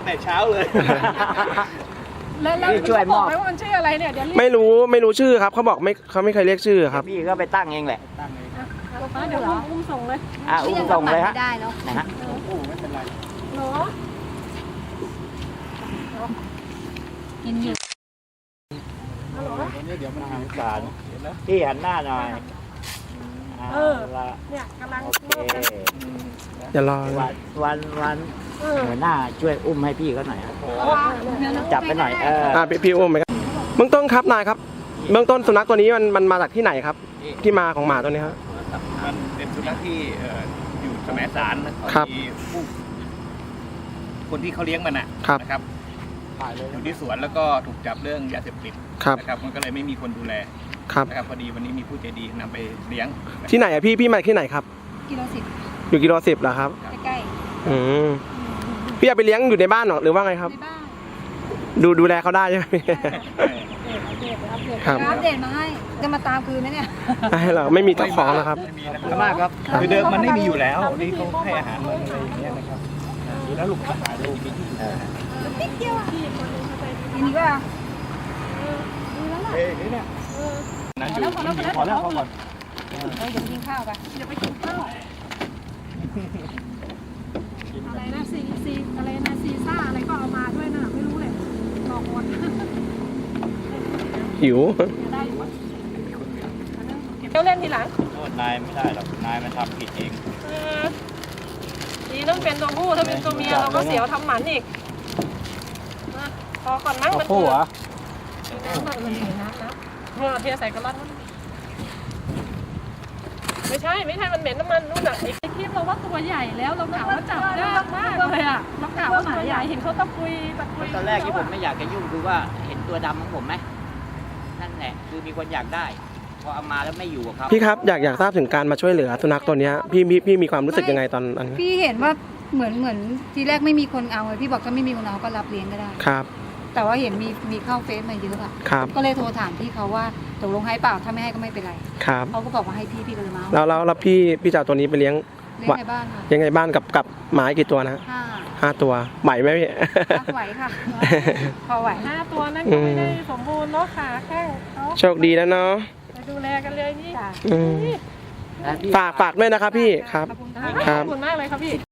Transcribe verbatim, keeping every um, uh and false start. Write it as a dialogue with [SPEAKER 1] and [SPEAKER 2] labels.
[SPEAKER 1] ตั้งแต่เช้าเลย
[SPEAKER 2] แล้วแล้วช่วยบอกไหมว่ามันชื่ออะไรเนี่ยเดี๋ยวไม่
[SPEAKER 3] รู้ไม่รู้ชื่อครับเขาบอกไม่เขาไม่เคยเรียกชื่อครับ
[SPEAKER 4] พี่ก็ไปตั้งเองแหละ
[SPEAKER 2] ตั้งเองเดี๋ยวอุ้มส่งเลย
[SPEAKER 4] อ่ะอุ้มส่งเลยฮะ
[SPEAKER 2] ได้แล้ว
[SPEAKER 4] นะฮะ
[SPEAKER 1] อุ้มไม่เป็นไร
[SPEAKER 2] เนาะกินอยู่ฮัลโหล
[SPEAKER 4] เดี๋ยวมันทางสารพี่หันหน้าหน่อย
[SPEAKER 2] เออเนี่ยกำลัง
[SPEAKER 3] อย่ารอ
[SPEAKER 4] วันวันวันหัวหน้าช่วยอุ้มให้พี่เขาหน่อยจับไปหน่อยเออ
[SPEAKER 3] อ่าพี่อุ้มไหมครับเบื้องต้นครับนายครับเบื้องต้นสุนัขตัวนี้มันมันมาจากที่ไหนครับที่มาของหมาตัวนี้ครับ
[SPEAKER 1] มันเป็นสุนัขที่อยู่แสมสาร
[SPEAKER 3] ครับ
[SPEAKER 1] คนที่เขาเลี้ยงมันนะครับอยู่ที่สวนแล้วก็ถูกจับเรื่องยาเสพติดนะครับมันก็เลยไม่มีคนดูแลนะครับพอดีวันนี้มีผู้ใจดีนำไปเลี้ยง
[SPEAKER 3] ที่ไหนอะพี่พี่มาที่ไหนครับ
[SPEAKER 2] กิโลสิบ
[SPEAKER 3] อยู่กิโลสิบเหรอครับ
[SPEAKER 2] ใกล้
[SPEAKER 3] ๆอืมพี่เอาไปเลี้ยงอยู่ในบ้านหรอหรือว่าไงครับ
[SPEAKER 2] ในบ้าน
[SPEAKER 3] ดูดูแลเขาได้ใช่ไหม
[SPEAKER 2] ครับอัปเดตมาให้จะมาตามคืนไหมเนี่ย
[SPEAKER 3] ให้เราไม่มีเจ้าของนะครับ
[SPEAKER 1] มากครับคือเดิมมันไม่มีอยู่แล้วนี่เขาให้อาหารมันอะไรอย่างเงี้ยนะครับดูแล้วลูกค้าหาดูมีที่
[SPEAKER 2] นิดเดียวอ่ะทีนี้ก็
[SPEAKER 1] เฮ้ยนี่เนี่ยนั่นอยู่พอแล้วพอก่อน
[SPEAKER 2] เดี๋ยวกินข้าวกันเดี๋ยวไปกินข้าวอะไรนะซีซีอะไรนะซีซ่าอะไรก็เอามาด้วยนะไม่รู้เลยรอหมด
[SPEAKER 3] หิว
[SPEAKER 2] เดี๋ยวเล่นทีหลัง
[SPEAKER 4] นายไม่ได้หรอกนายมันทำผิดเอง
[SPEAKER 2] ดีต้องเป็นตัวผู้ถ้าเป็นตัวเมียเราก็เสียวทำหมันอีกพอก่อนมั้งมัน
[SPEAKER 4] ผู้เหรอ
[SPEAKER 2] น้ำมันน้ำน้ำเมื่อเทใส่กระลัดไม่ใช่ไม่ใช่มันเหม็นน้ำมันนู่นอ่ะไอ้คลิปเราว่าตัวใหญ่แล้วเรากะว่าจับยากมากเลยอ่ะเรากะว่าหมาใหญ่เห็นเขาตะกุยตะกุย
[SPEAKER 4] ตอนแรกที่ผมไม่อยากจะยุ่งคือว่าเห็นตัวดำของผมไหมนั่นแหละคือมีคนอยากได้พอเอามาแล้วไม่อยู่กับเขา
[SPEAKER 3] พี่ครับอยากอยากทราบถึงการมาช่วยเหลือสุนัขตัวนี้พี่พี่พี่มีความรู้สึกยังไงตอนนั้น
[SPEAKER 2] พี่เห็นว่าเหมือนเหมือนทีแรกไม่มีคนเอาพี่บอกถ้าไม่มีคนเอาก็รับเลี้ยงก็ได้
[SPEAKER 3] ครับ
[SPEAKER 2] แต่ว่าเห็นมีมีเข้าเฟซมาเยอะอะ
[SPEAKER 3] ครับ
[SPEAKER 2] ก็เลยโทรถามพี่เขาว่าตกลงให้เปล่าถ้าไม่ให้ก็ไม่เป็นไร
[SPEAKER 3] ครับ
[SPEAKER 2] เขาก็บอกว่าให้พี่พี่ก็เลยมา
[SPEAKER 3] แล้วแล้วแล้วพี่พี่จะเอาตัวนี้ไปเลี้ยง
[SPEAKER 2] เลี้ยงในบ้านค่ะ
[SPEAKER 3] ยังไงบ้านกับกับหมากี่ตัวนะ
[SPEAKER 2] ห้า
[SPEAKER 3] ห้าตัวไหวไหมพี่
[SPEAKER 2] ไหวค่ะพอไหวห้าตัวนั่นก็ไม่ได้สมบูรณ์เนาะขาแข้ง
[SPEAKER 3] โชคดีแล้วเนาะ
[SPEAKER 2] ไปดูแลกันเลยนี่
[SPEAKER 3] ฝากฝากด้วยนะครับพี่ครับ
[SPEAKER 2] ขอบคุณมากเลยครับพี่